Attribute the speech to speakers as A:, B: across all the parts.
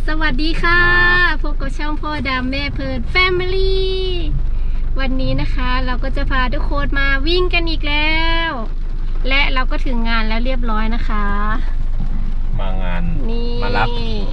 A: สวัสดีค่ะพบกับช่องพ่อดำแม่เพลินแฟมิลี่วันนี้นะคะเราก็จะพาทุกคนมาวิ่งกันอีกแล้วและเราก็ถึงงานแล้วเรียบร้อยนะคะ
B: มางาน
A: นี่
B: มารับ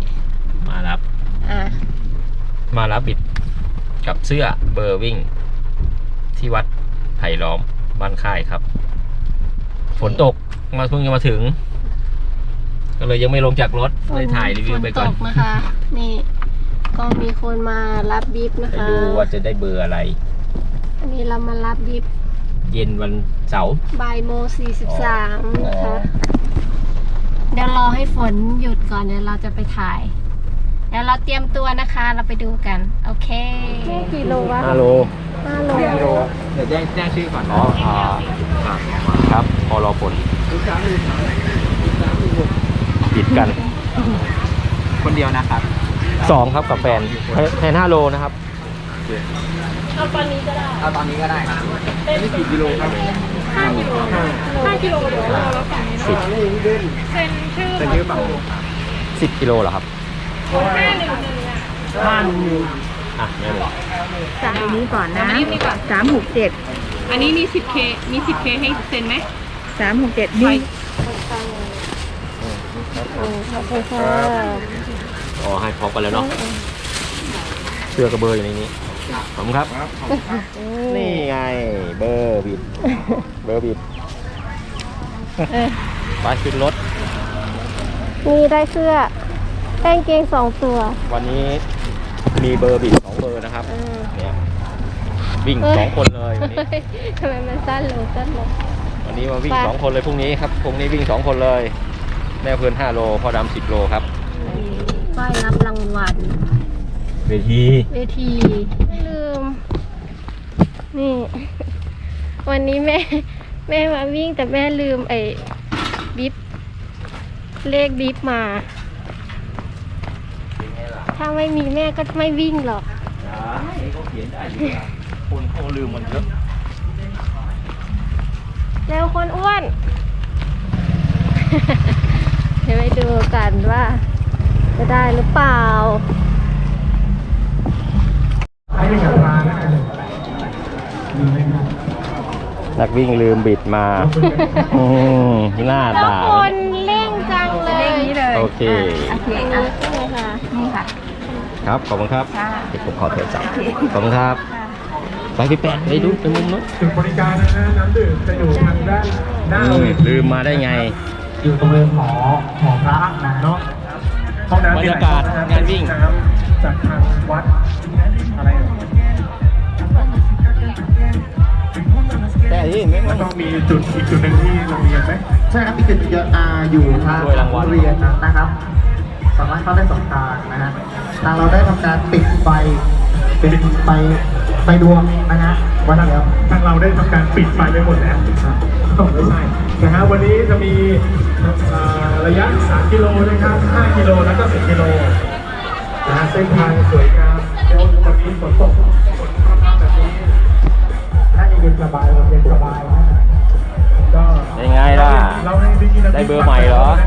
B: บิดกับเสื้อเบอร์วิ่งที่วัดไผ่ล้อมบ้านค่ายครับฝนตกเพิ่งจะมาถึงก็เลยยังไม่ลงจากรถเลยถ่ายรีวิวไปก่อน
A: ฝนตกนะคะนี่ก็มีคนมารับบิ๊บนะคะ
B: ดูว่าจะได้เบอร์อะไร
A: อันนี้เรามารับบิ๊บ
B: เย็นวันเสาร์
A: บ่ายโมง43นะคะเดี๋ยวรอให้ฝนหยุดก่อนเดี๋ยวเราจะไปถ่ายเดี๋ยวเราเตรียมตัวนะคะเราไปดูกันโอเคกี่โลวะ
B: 5 โล
C: เดี๋ยวแจ้งชื่อก่อน
B: ครับพอรอผลปิดกัน
C: คนเดียวนะครับ
B: 2ครับกับแฟน5 โลนะครับ
A: เอาตอนนี้ก็ได้
C: ครับนี่กี่กิโลครับ
A: 5 กิโลเดี๋ยวเราฝั่งนี้เซ็นชื่อ
C: ฝั่ง
B: 10 กิโลเหรอครับ
A: 511
B: อ่ะเนี่ยเลย
D: จากอันนี้ก่อนนะ367
A: อันนี้มี 10K ให้เซ็นไหม
D: 367นี่
A: ขอบคุณค่ะ
B: อ๋อให้พร้อมกันแล้วเนาะเสื้อกระเบอร์อยู่ในนี้ขอบคุณครับนี่ไงเบอร์บิดไปขึ้นรถ
A: มีได้เสื้อกางเกง2 ตัว
B: วันนี้มีเบอร์บิด2 เบอร์นะครับเนี่ยวิ่ง2 คนเลยวันนี้
A: ทำไมมันสั้นลง
B: วันนี้มาวิ่ง2 คนเลยพรุ่งนี้ครับพรุ่งนี้วิ่ง2 คนเลยแม่เพื่อน5 โลพ่อดำ10 โลครับ
A: ป้ายรับรางวัล
B: เวที
A: ไม่ลืมนี่วันนี้แม่มาวิ่งแต่แม่ลืมบิ๊บเลขบิ๊บมาถ้าไม่มีแม่ก็ไม่วิ่งหรอก
B: เขาเขียนได้อยู่คนเขาลืมมันเยอะ
A: แล้วคนอ้วนเดี๋ยวไปดูกันว่าจะได้หรือเปล่า
B: นักวิ่งลืมบิดมาหน้าตา
A: คนเร่งจังเลย
B: โอเค
D: นี่ค่ะ
B: ครับขอบคุณครับเดี๋ยวผมขอโทรศัพท์ขอบคุณครับไปพี่แปดไปดูไปมุมนู้น
C: จุดบริการนะฮะน้ำดื่มจะอยู่ทางด้านหน้า
B: ลืมมาได้ไง
C: อยู่ตรงเรือนหอพระนะเนาะ
B: บรรยากาศงานวิ่ง
C: จากทางวัดอะไร
B: แต่ที่ไม่
C: ต้องมีจุดอีกจุดหนึ่งที่โรงเรียนไหมใช่ครับอีกจุดอยู่ทางโรงเรียนนะครับสามารถเข้าได้2 ทางนะฮะทางเราได้ทำการปิดไฟเป็นไฟดวงนะฮะวันแล้วทางเราได้ทำการปิดไฟไปหมดแล้วไม่ใช่นะฮะวันนี้จะมีระยะ3 กิโลนะครับ5 กิโลแล้วก็10 กิโลนะฮะเส้นทางสวยงามเดี๋ยววันนี้ฝนตกฝนประมาณแบบนี้ถ้าเย็นสบายนะก็
B: ยังไงล่ะได้เบอร์ใหม่เหรอ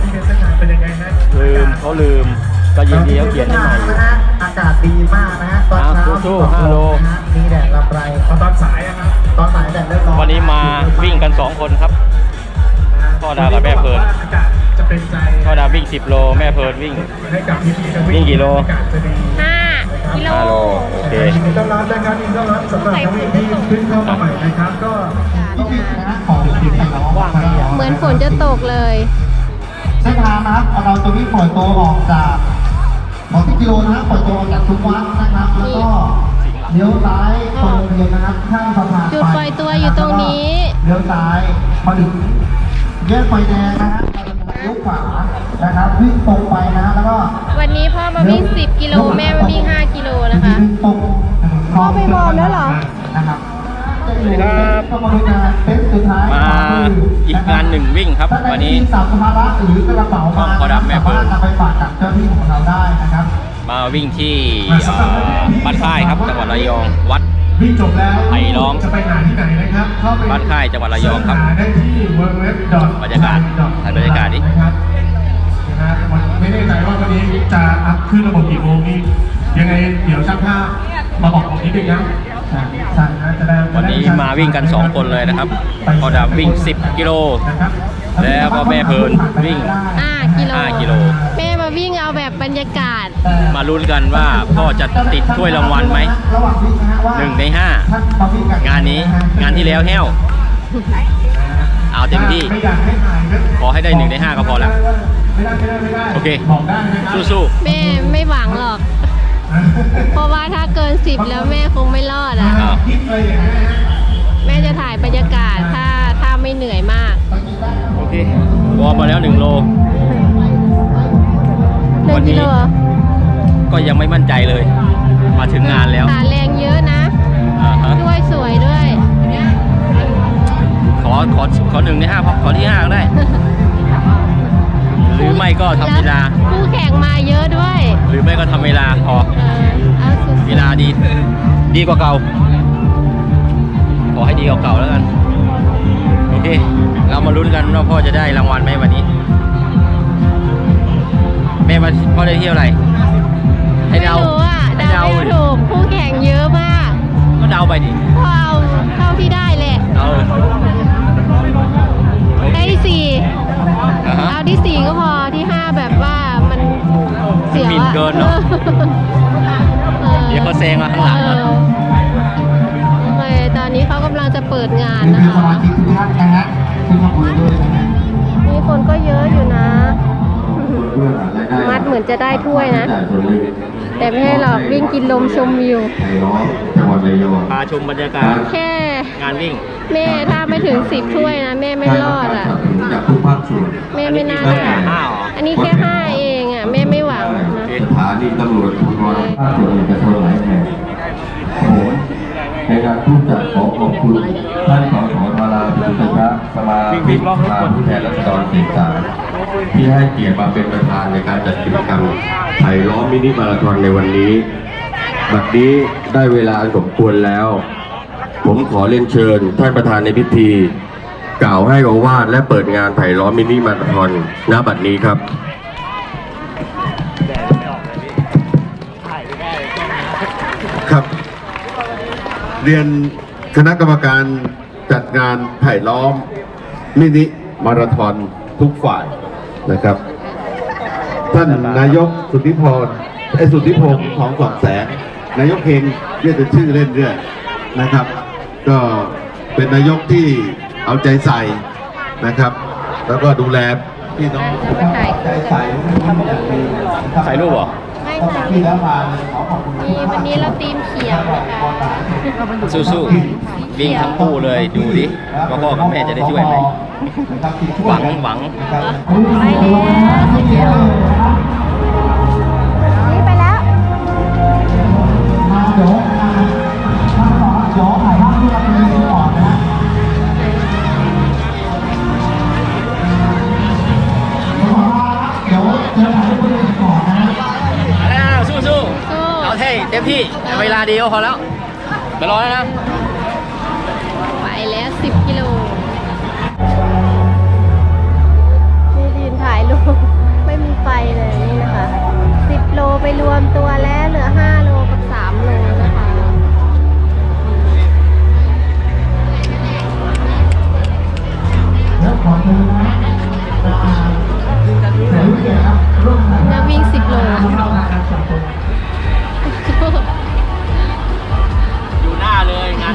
B: ลืมก็ยินดีเขาเขียนให้ใหม่อยู่
C: อากาศดีมากนะฮะตอนเช้า
B: สู้5 โล
C: มีแดดลำไรตอนสายครับตอนสายแดดเริ่มร้อน
B: วันนี้มาวิ่งกัน2 คนครับพ่อดากับแม่เพลินพ่อดาวิ่ง10 โลแม่เพลินวิ่งกี่โล
A: 5 กิโล
B: โอเค
C: ต้อนรับนะครับต้อนรับสำหรับนักวิ่งที่ขึ้นเข้ามาใหม่นะครับก็
A: เหมือนฝนจะตกเลย
C: เส้นทางนะครับเราจะวิ่งปล่อยตัวออกจาก10 กิโลนะครับปล่อยตัวออกจากทุกวัดนะครับแล้วก็เลี้ยวซ้ายตรงเรียนนะครับข้ามสะพาน
A: จุดปล่อยตัวอยู่ตรงนี้
C: เลี้ยวซ้ายพอถึงแยกไฟแดงนะฮะเลี้ยวขวานะครับวิ่งตรงไปนะแล้วก็
A: วันนี้พ่อมาวิ่ง10 กิโลแม่มาวิ่ง5 กิโลนะคะพ่อไปบอลแล้วเหรอ
C: นะครับ
B: ครับมาอีกงาน1 วิ่งครับวันนี้พ่อดำแม่เพลินมาวิ่งที่บ้านค่ายครับจังหวัดระยองวัดไผ่ล้อมบ้านค่ายจังหวัดระยองครับบรรยากาศถ่ายบรรยากาศดิ
C: ไม่ได้ใจว่าวันนี้
E: จะอัพขึ้นระบบกี่โมงนี่ยังไงเดี๋ยวช่างภาพมาบอกผมนิดนึงนะช่างจะได้
B: วันนี้มาวิ่งกัน 2 คนเลยนะครับพ่อดำวิ่ง 10 กิโล
E: นะครับ
B: แล้วก็แม่เพลินวิ่ง
A: 5 กิโล
B: 5 กิโล
A: แม่มาวิ่งเอาแบบบรรยากาศ
B: มาลุ้นกันว่าพ่อจะติดถ้วยรางวัลไหม
C: ระหว่างวิ่งนะฮะว่า
B: 1 ใน
C: ท่านมาวิ่กับ
B: 5 งานนี้งานที่แล้วแห้ว เอาเต็มที่
C: ไม่อยากให้ถ่ายนะ
B: ขอให้ได้ 1 ใน 5 ก็พอแล้ว
C: ไม่ได้
B: โอเค
C: บอกได้นะครับ
B: สู้
A: แม่ไม่หวังหรอก เพราะว่าถ้าเกิน 10 แล้วแม่คงไม่รอดอ่ะ
B: ๆอ้าว
C: คิดเลยอย่างนี้นะฮะ
A: แม่จะถ่ายบรรยากาศถ้าไม่เหนื่อยมาก
B: โอเควอร์มมาแล้ว 1 โล วันนี้
A: 1 กิโล
B: ก็ยังไม่มั่นใจเลย มาถึงงานแล้ว
A: ขาแรงเยอะนะ
B: อ่าฮะ
A: ด้วยสวยด้วย
B: ขอ1 ใน 5พอขอที่ 5 ก็ได้ หรือไม่ก็ทำเวลา
A: แล้วคู่แข่งมาเยอะด้วย
B: หรือไม่ก็ทำเวลาพอ
A: เอาสุด
B: เวลาดีกว่าเก่า ขอให้ดีกว่าเก่าแล้วกัน โอเค เรามาลุ้นกันว่าพ่อจะได้รางวัลไหมวันนี้ แม่มาพ่อได้เที่ยวอะไร ให้
A: ไม่
B: เดา
A: รู้อ่ะ
B: ให้
A: เดา
B: เดา
A: ไม่ถูกคู่แข่งเยอะมาก
B: ก็เดาไปดิ
A: พอเอาเท่าที่ได้แหละ
B: เอาโอเค
A: ได้ที่สี่
B: อ่าฮะ
A: เอาที่ 4 ก็พอที่ 5 แบบว่ามันเสียว
B: หมิ่นเกินเนอะ เดี๋ยวเขาแซงมาข้างหลังนะ
A: โอเคตอนนี้เขากำลังจะเปิดงาน
C: นี่
A: นะ
C: คือส
A: คะ
C: มาชิกทุกท่านนะฮะที่มาคุยด้วยนะฮะ
A: มีคนก็เยอะอยู่นะ มัดเหมือนจะได้ถ้วยนะ แต่ไม่ให้หรอกวิ่งกินลมชมวิว
C: ไทยล้อมจังหวัดระยอง
B: พาชมบรรยากาศ
A: แค่
B: งานวิ่ง
A: แม่ถ้าไม่ถึง 10 ถ้วยนะแม่ไม่รอดอ่ะ
C: จากทุกภาคส่วน
A: แม่ไม่น่า
B: อันนี้
A: ได้
B: กี่ห้าเหรอ
A: อันนี้แค่ 5 เองอ่ะแม่ไม่หวังนะ
C: สถานีตำรวจภูธรภาคส่วนเอกชนหลายแห่งผมในการผู้จัดขอขอบคุณท่านสสธาราพิสุทธิ์สมาชิกสภาผู้แทนราษฎรเขตสามที่ให้เกียรติมาเป็นประธานในการจัดกิจกรรมไผ่ล้อมมินิมาราธอนในวันนี้บัดนี้ได้เวลาอันสมควรแล้ว ผมขอเรียนเชิญท่านประธานในพิธี กล่าวให้โอวาทและเปิดงานไผ่ล้อมมินิมาราธอนณบัดนี้ครับ
F: ครับ เรียนคณะกรรมการจัดงานไผ่ล้อมมินิมาราธอนทุกฝ่ายนะครับ ท่านนายกสุทธิพงษ์ของสองแสงนายกเฮงเรียกเป็นชื่อเล่นเรื่อยนะครับ ก็เป็นนายกที่เอาใจใส่นะครับ แล้วก็ดูแลพี่น้อง
A: ถ่าย
F: ใจใส่อย่างดีนะครับ
B: ใส่รูปเหรอ
A: ไม่
F: ตั้ง
A: ค่ะ
F: แต่ที่แล้วมาขอขอบคุณ
A: มีวันนี้เราทีมเขียวนะคะ
B: สู้ๆวิ่งทั้งคู่เลยดูดิว่าพ่อกับแม่จะได้ช่วยไหม หวัง
A: ไปแล้วนี่ไปแล้ว
B: แล้วสู้ๆเอาเท่เต็มที่เวลาดีก็พอแล้วไปรอแล้วนะ
A: ไปแล้ว 10 กิโลนี่ยืนถ่ายรูปไม่มีไฟเลยนี่นะคะ 10 โลไปรวมตัวแล้วเหลือ 5 โลกับ 3 โลนะคะแล้ววิ่ง 10 โล
B: อยู่หน้าเลยง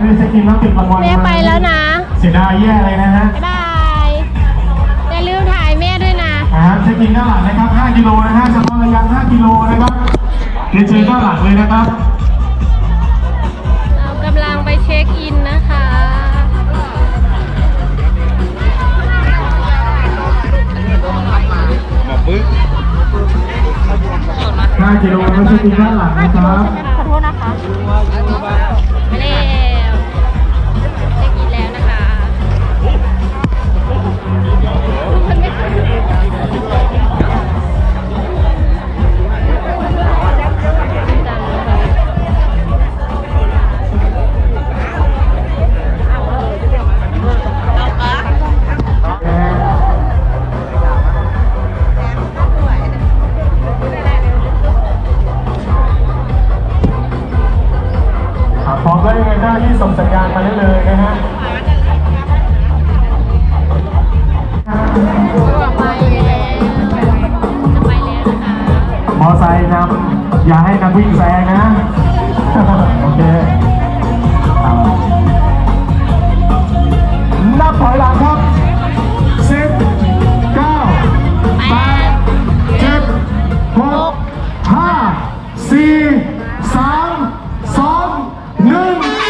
E: ได้เช็คอินแล้วติดรางวัล
A: แม่ไปแล้วนะ
E: เสียดายแย่เลยนะฮะ
A: บ๊ายบายอย่าลืมถ่ายแม่ด้วยนะ
E: เช็คอินด้านหลังนะครับ5 กิโลนะฮะเฉพาะระยะ5 กิโลนะครับเรียนเชิญด้านหลังเลยนะครับ
A: เรากำลังไปเช็คอินนะคะ
E: 5 กิโลนะเช็คอินด้านหลังนะครับ
A: ขอโทษนะคะไปแล้วเช็คอินแล้วนะคะมันไม่ทัน
E: พร้อมแล้วยังไงหน้าที่ส่งสัญญาณมาได้เลยนะฮะ
A: จะไปแล้วนะคะ
E: มอไซค์นำอย่าให้นักวิ่งแซงนะ โอเคนับถอยหลังครับ 10 9 8 7 6 5 4 3 2 1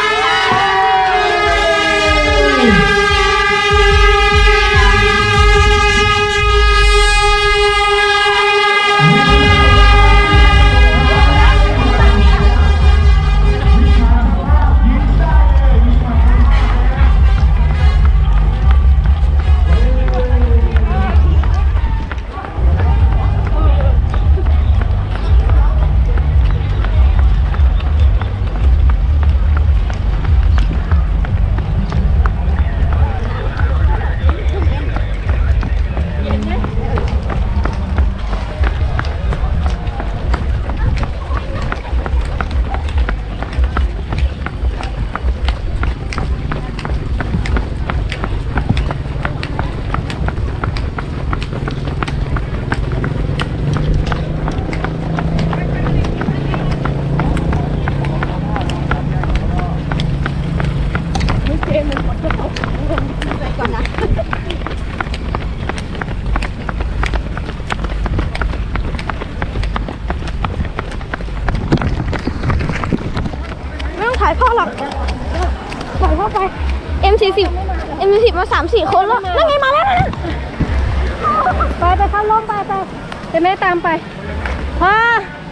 A: ไม่ต้องถ่ายพ่อหรอกปล่อยพ่อไป M40 มา3-4 คนแล้วนั่นไงมาแล้วนะไปเข้าร่มไปเดี๋ยวแม่ตามไปพ่อ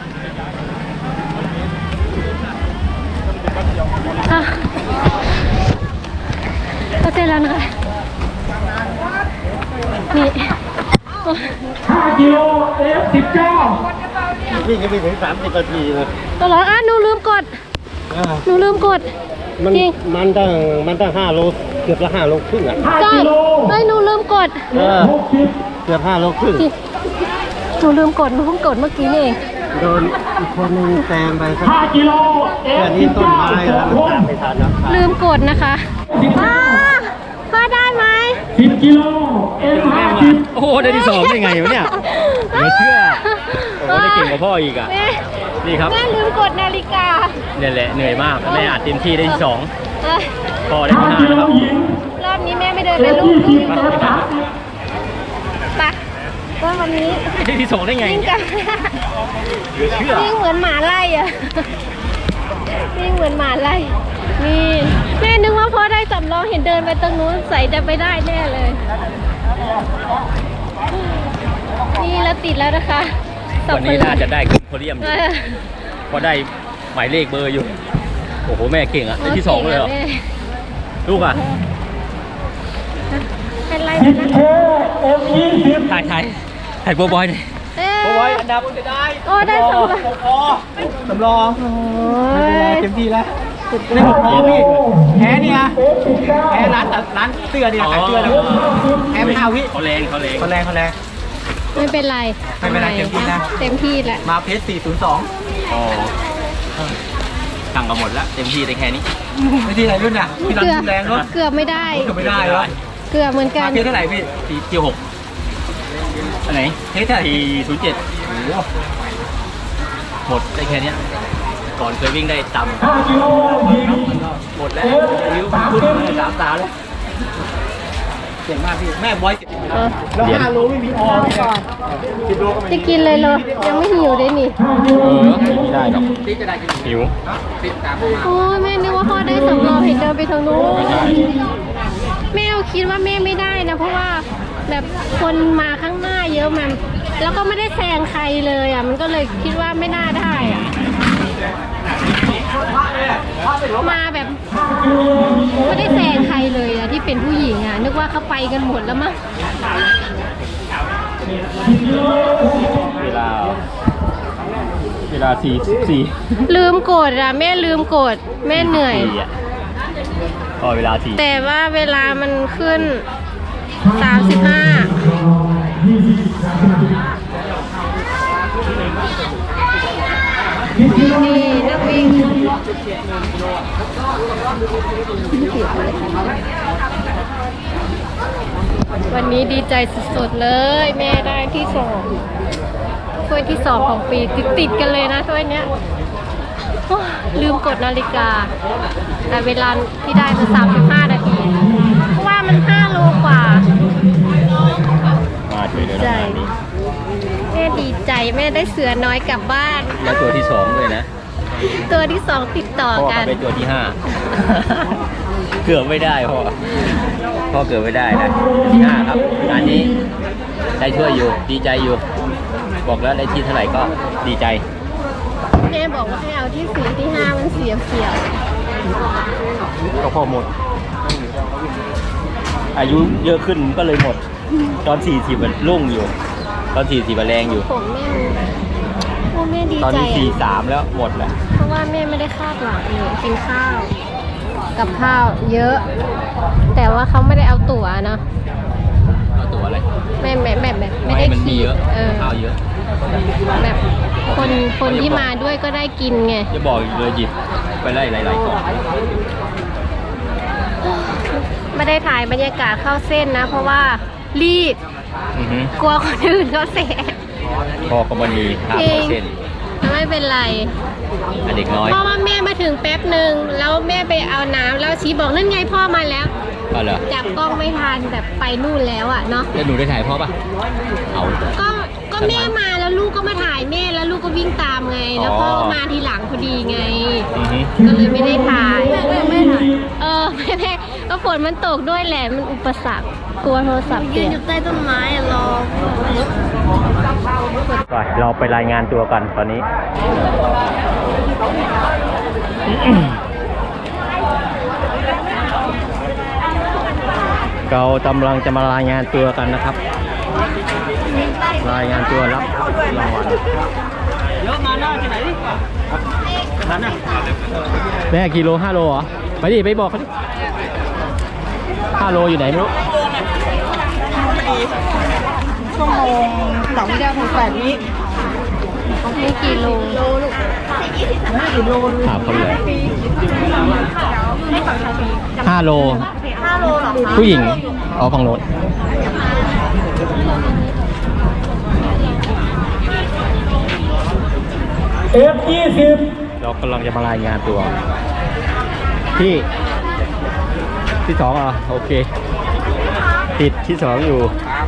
A: ก็เสร็จแล้วนะคะนี่
E: 5 กิโล F19
C: วิ่งก็ไปถึง30 นาทีเลย
A: ตัวเหรอหนูลืมกดจริง
C: มันตั้ง5 โลเกือบละ5 โลครึ่งอ่ะ
A: ใช่ไม่หนูลืมกด
C: เกือบ5 โลครึ่ง
A: หนูลืมกดหนูเพิ่งกดเมื่อกี้นี่เอง
C: โดนอีกคนนึงแซงไปสัก
E: 5 กิโล
C: แค่นี้ต้นไม้แล้วมันตามไม่ทันแล้ว
A: ลืมกดนะคะพ่อได้ไหม
E: 10 กิโล F50
B: โอ้โหได้ที่ 2ได้ไงวะเนี่ยเหลือเชื่อโอ้โหได้เก่งกว่าพ่ออีกอ่ะ
A: แม่
B: นี่ครับ
A: แม่ลืมกดนาฬิกา
B: เนี่ยแหละเหนื่อยมากแม่อัดเต็มที่ได้ที่
A: เอ้ย
B: 2พ่อได้ที่
E: 5 กิ
B: 5
E: โล
B: นะครับ
E: หญิง
A: รอบนี้แม่ไม่เดินไปลูก
E: F20 F30
A: ไปก็วันนี้
B: ได้ที่ 2ได้ไง
A: วิ่ง
B: เนี่ย
A: กัน
B: เหลือเชื่อ
A: วิ่งเหมือนหมาไล่อะวิ่งเหมือนหมาไล่นี่แม่นึกว่าพ่อได้สำรองเห็นเดินไปตรงนู้นใส่จะไปได้แน่เลย นี่เราติดแล้วนะคะสอง
B: วันนี้น่าจะได้ขึ้นโพเดียมอยู่
A: เออ
B: เพราะได้หมายเลขเบอร์อยู่ โอ้โหแม่เก่งอ่ะได้ที่ 2เลยเหรอ
A: แม่
B: ลูกอ่ะ
A: เป็นไรนะ
E: 10K F20
B: ถ่ายโบบอยหน่อย
A: เอ้
B: โบบอยอันดับจะได้
A: โอ้ได้สำรอง
B: สำรอง
A: โอ้ย
B: เต็มที่แล้วได้6โมงพี่แพ้เนี่ยแพ้ร้านเสื้อเนี่ยขายเสื้อแล้วแพ้ไม่เอาพี่เขาแรง
A: ไม่เป็นไร
B: ไม่เป็นไรเต็มที่นะ
A: เต็มที่แหละ
B: มาเพชร402อ๋อสั่งมาหมดแล้วเต็มที่ได้แค่นี้ไม่ที่ไหนรุ่นอ่ะพี่รันแรงเนาะ
A: เกือบไม่ได้
B: เกือบไม่ได้เหรอ
A: เกือบเหมือนกัน
B: มาเพชรเท่าไหร่พี่เกียว6อันไหนเพชรเท่าไหร่407โอ้โหหมดได้แค่เนี้ยก่อนเคยวิ่งได้ต่ำหมดแล้วนิ้วขึ้นเลย3 ตาแล้วเก่งมากพี่แม่บอย
E: แล้ว5 โลไม่มีออเลยนะ10 โลก็ไม่
A: จะกินเลยเหรอยังไม่หิวเลยนี่
B: ไม่ได้หรอกหิว
A: โอ้ยแม่นึกว่าพ่อได้สำรองเห็นเดินไปทางนู้นแม่คิดว่าแม่ไม่ได้นะเพราะว่าแบบคนมาข้างหน้าเยอะมันแล้วก็ไม่ได้แซงใครเลยอ่ะมันก็เลยคิดว่าไม่น่าได้อ่ะมาแบบไม่ได้แซงใครเลยอ่ะที่เป็นผู้หญิงอ่ะนึกว่าเขาไปกันหมดแล้วมั้ง
B: เวลา44
A: ลืมกดอ่ะแม่ลืมกดแม่เหนื่อย
B: พอเวลา4
A: แต่ว่าเวลามันขึ้น 35นี่นักวิ่งวันนี้ดีใจสุดๆเลยแม่ได้ที่2ถ้วยที่2ของปีติดๆกันเลยนะถ้วยเนี้ยโอ้ลืมกดนาฬิกาแต่เวลาที่ได้คือ35 นาทีเพราะว่ามัน5 โลกว่า
B: มาช่วยเลยนะนี้
A: แม่ดีใจแม่ได้เสือน้อยกลับบ้าน
B: แล้วตัวที่2ด้วยนะ
A: ตัวที่2ติดต่อ
B: พ่อ
A: กัน
B: เป็นตัวที่5 เกือบไม่ได้พ่อเกือบไม่ได้นะที่5ครับงานนี้ได้ช่วยอยู่ดีใจอยู่บอกแล้วได้ที่เท่าไหร่ก็ดีใจ
A: แม่บอกว่าให้เอาที่4ที่5มันเสีย
B: ก็พอหมด อายุเยอะขึ้นก็เลยหมด ตอน40มันรุ่งอยู่ ตอน40มันแรงอยู่
A: ผมแม่ดี
B: ตอน
A: ใจ
B: นี้43แล้วหมดแล้ว
A: เพราะว่าแม่ไม่ได้คาดหวังเลยกินข้าวกับข้าวเยอะ แต่ว่าเขาไม่ได้เอาตั๋วเนาะ
B: เอาตัวอะไร
A: แม่ไม่ได้
B: มันมี
A: คิด
B: เยอะ
A: เ
B: ข้าวเยอะ
A: แบบคนที่มาด้วยก็ได้กินไง
B: จะบอกอีกเลยหยิบไปไล่หลายๆกล่อง
A: ไม่ได้ถ่ายบรรยากาศเข้าเส้นนะ เพราะว่ารีบ
B: อือฮึ
A: กลัวคนอื่นเขาเสีย
B: พ่อก็มันมีข้าว
A: จริง
B: เส้น
A: ไม่เป็นไร
B: อันเด็กน้อย
A: เพราะว่าแม่มาถึงแป๊บหนึ่งแล้วแม่ไปเอาน้ำแล้วชี้บอกนั่นไงพ่อมาแล้ว
B: ก็เหรอ
A: จับกล้องไม่ทันแบบไปนู่นแล้วอ่ะเนาะ
B: แล้วหนูได้ถ่ายพ่อปะเอา
A: ก็แม่มาแล้วลูกก็มาถ่ายแม่แล้วลูกก็วิ่งตามไง แล้วพ่อก็มาทีหลังพอดีไง
B: อือฮึ
A: ก็เลยไม่ได้ถ่ายไม่ถ่ายไม่ก็ฝนมันตกด้วยแหละมันอุปสรรคกลัวโทรศัพท์เปียกอยู่ใต้ต้นไม้รอ
B: ไปเราไปรายงานตัวกันตอนนี้ เรากำลังจะมารายงานตัวกันนะครับ รายงานตัวรับรางวัลเยอะมาหน้าที่ไหนดินั่นน่ะแม่กิโล5 โลเหรอไปดิไปบอกเขาดิ5 โลอยู่ไหนไม่รู้
D: ชั่วโมง2 เดือน8 วิ
A: นี่กี่โล
B: ถามเขาเลย5 โล
D: 5 โลเหรอคะ
B: ผู้หญิงเอาฝั่งโน้น
E: F20
B: เรากำลังจะมารายงานตัวที่2อ่ะโอเค ติดที่ 2อยู่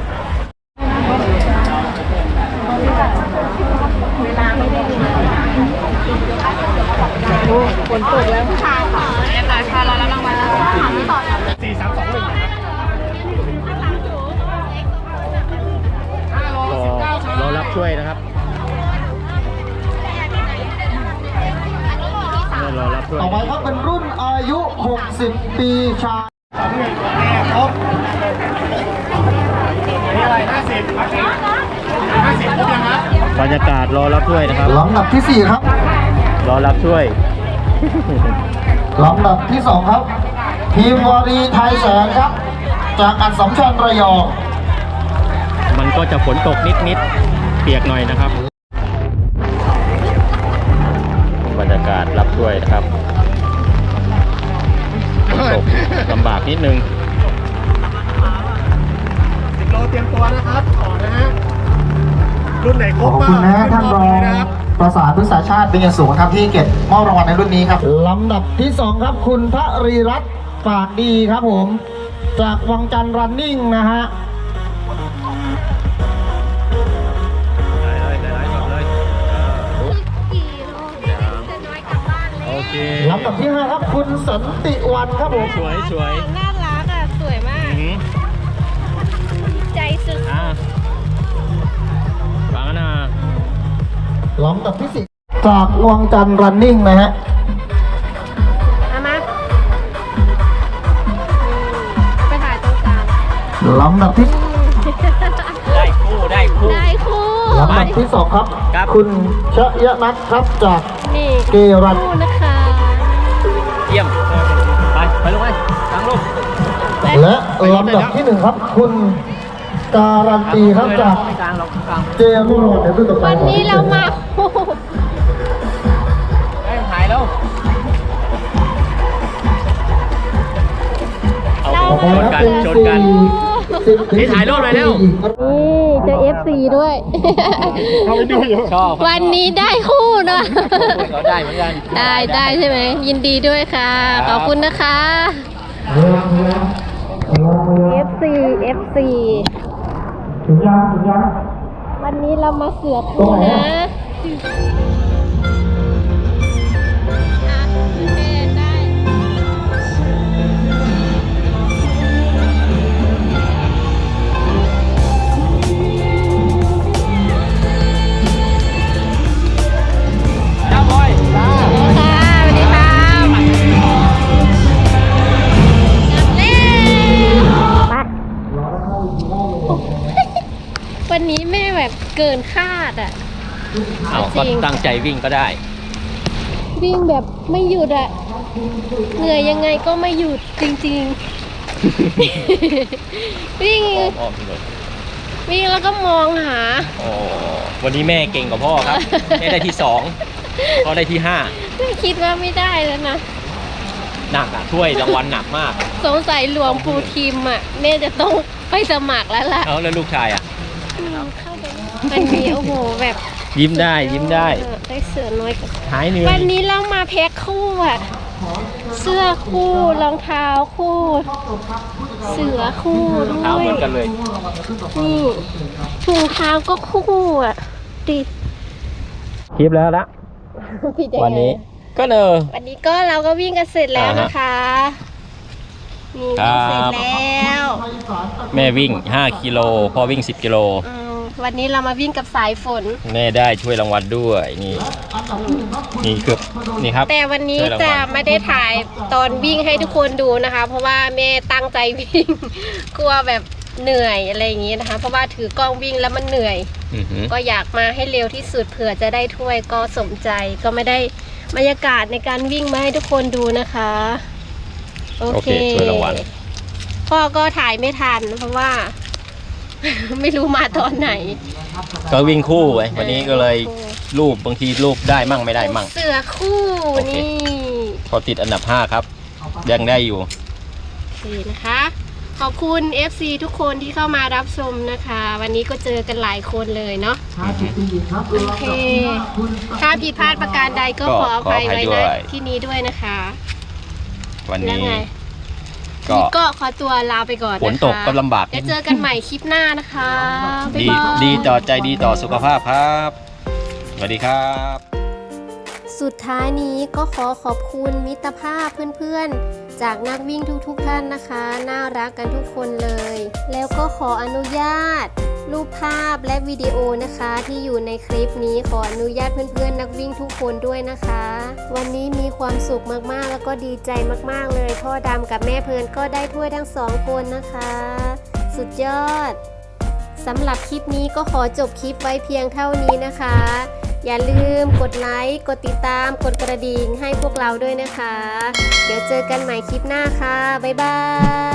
D: ฝนตกแล้วผู้ชายค่ะพาเราแล้วรางวัลแล้วถามต่อ
B: รอรับช่วยนะครับรอรับช่วย
C: ต่อไปครับเป็นรุ่นอายุ 60 ปีชาย
B: บรรยากาศรอรับช่วยนะครับ
C: ลำดับที่ 4 ครับ
B: รอรับช่วย
C: ลำดับที่ 2 ครับ ทีมวารีไทยแสงครับ จากอัศมชัญระยอง
B: มันก็จะฝนตกนิดเปียกหน่อยนะครับ บรรยากาศรับช่วยนะครับฝนตกลำบากนิดนึง
E: 10 โลเตรียมตัวนะครับต่อนะฮะรุ่นไหนค
C: ข
E: ร
C: อ
E: บบ
C: คุณนะฮะท่านรอง
E: นะครับ
C: ปประสานพฤกษาชาติเป็นอย่างสูงครับที่เก็บมอบรางวัลในรุ่นนี้ครับลำดับที่ 2 ครับคุณพระรีรัตน์ฝากดีครับผมจากวังจันทร์รันนิ่งนะฮะ
B: โอเค
C: ลำดับที่ 5 ครับคุณสันติวันครับผม
B: สวยสวย
A: น่ารักอ่ะ สวยมากใจสุด
B: ฟังนะ
C: ลำดับที่ 4 จากวังจันทร์รันนิ่งนะฮะ
A: เอามาไปถ่ายตรงกลาง
C: ลำดับที่
B: ได้คู่ได้คู่
A: ได้คู่
C: ลำดับที่ 2 ครับ
B: ครับ
C: คุณชยนัทครับจาก
A: นี่
C: เกรัน
A: คู่นะคะ
B: เยี่ยมไปลงไปกลางลูก
C: และลำดับที่ 1 ครับ คุณการันตีครับจาก
B: กลางเรากลาง
C: เจรุ่งโรจน์ในรุ่นต่อไป
A: วันนี้เรามาคู่
B: ถ่ายแล้ว
A: เรา
B: ชนกันชนกัน นี่ถ่ายรูปหน่อยเร็ว
A: นี่เจอ FC ด้วย
B: ชอบ
A: วันนี้ได้คู่เนาะ
B: เขาได้เหมือนกัน
A: ได้ใช่ไหม ยินดีด้วยค่ะ ขอบคุณนะคะ FC
C: ถึงยัง
A: วันนี้เรามาเสือกคู่นะอ่ะโอเคได้
B: จ้าบอย
A: ค่ะสวัสดีค่ะวันนี้แม่แบบเกินคาดอ่ะ
B: เอาก็ตั้งใจวิ่งก็ได้
A: วิ่งแบบไม่หยุดอ่ะ เหนื่อยยังไงก็ไม่หยุดจริงๆ วิ่ง
B: อ้อมเลย
A: วิ่งแล้วก็มองหา
B: โอ้วันนี้แม่เก่งกว่าพ่อครับ แม่ได้ที่2พ่อได้ที่
A: ไม่คิดว่าไม่ได้แล้วนะ
B: 5หนักอ่ะถ้วยรางวัลหนักมาก
A: สงสัยหลวงปู่ทิมอ่ะแม่จะต้องไปสมัครแล้วล่ะ
B: เอาแล้วลูกชายอ่ะ
A: วันนี้โอ้โหแบบ
B: ยิ้มได้ยิ้มได้
A: ได้เสือน้อยกับ
B: หายเหนื่อย
A: วันนี้เรามาแพ็คคู่อ่ะ เสื้อคู่รองเท้าคู่ เสือคู่ด้
B: เท้า
A: วย
B: เหมือนกันเลย
A: นี่ถุงเท้าก็คู่อ่ะดิ
B: คลิปแล้วละ
A: ผิดยังไง
B: วันนี้ก็
A: วันนี้ก็เราก็วิ่งกันเสร็จแล้วนะคะนี่
B: ครั
A: วิ่ง
B: บ
A: เสร็จแล้ว
B: แม่วิ่ง5กิโลพ่อวิ่ง10กิโล
A: วันนี้เรามาวิ่งกับสายฝน
B: แม่ได้ช่วยรางวัลด้วยนี่นี่คือนี่ครับ
A: แต่วันนี้
B: ช่วยรางวัล
A: จะไม่ได้ถ่ายตอนวิ่งให้ทุกคนดูนะคะ เพราะว่าแม่ตั้งใจวิ่ง กลัวแบบเหนื่อยอะไรอย่างนี้นะคะ เพราะว่าถือกล้องวิ่งแล้วมันเหนื่อย
B: อือหือ
A: ก็อยากมาให้เร็วที่สุดเผื่อจะได้ถ้วยก็สมใจก็ไม่ได้บรรยากาศในการวิ่งมาให้ทุกคนดูนะคะโอ
B: โอ
A: เค
B: เคช่วยรางวัล
A: พ่อก็ถ่ายไม่ทันเพราะว่า ไม่รู้มาตอนไหน
B: ก็วิ่งคู่ไว้วันนี้ก็เลยรูปบางทีรูปได้มั่งไม่ได้มั่ง
A: เสือคู่
B: โอเค
A: นี่
B: พอติดอันดับ5ครับยังได้อยู่
A: นี่นะคะ ขอบคุณ FC ทุกคนที่เข้ามารับชมนะคะ วันนี้ก็เจอกันหลายคนเลยเนาะโอเคถ้าผิดพลาดประการใดก็ขออภัยไว้นะที่นี้ด้วยนะคะ
B: วัน
A: แล้ว
B: นี้
A: ไง
B: ก็
A: ก็ขอตัวลาไปก่อนนะคะ
B: ฝนตกก็ลำบาก
A: เดี๋ยวเจอกันใหม่คลิปหน้านะคะบ๊าย
B: ดี
A: บาย
B: ดีต่อใจดีต่อสุขภาพครับสวัสดีครับ
A: สุดท้ายนี้ก็ขอขอบคุณมิตรภาพเพื่อนๆ จากนักวิ่งทุกๆท่านนะคะ น่ารักกันทุกคนเลย แล้วก็ขออนุญาต รูปภาพและวิดีโอนะคะที่อยู่ในคลิปนี้ขออนุญาตเพื่อนๆนักวิ่งทุกคนด้วยนะคะ วันนี้มีความสุขมากๆแล้วก็ดีใจมากๆเลยพ่อดำกับแม่เพลินก็ได้ถ้วยทั้ง2คนนะคะ สุดยอดสำหรับคลิปนี้ก็ขอจบคลิปไว้เพียงเท่านี้นะคะ อย่าลืมกดไลค์กดติดตามกดกระดิ่งให้พวกเราด้วยนะคะ เดี๋ยวเจอกันใหม่คลิปหน้าค่ะบ๊ายบาย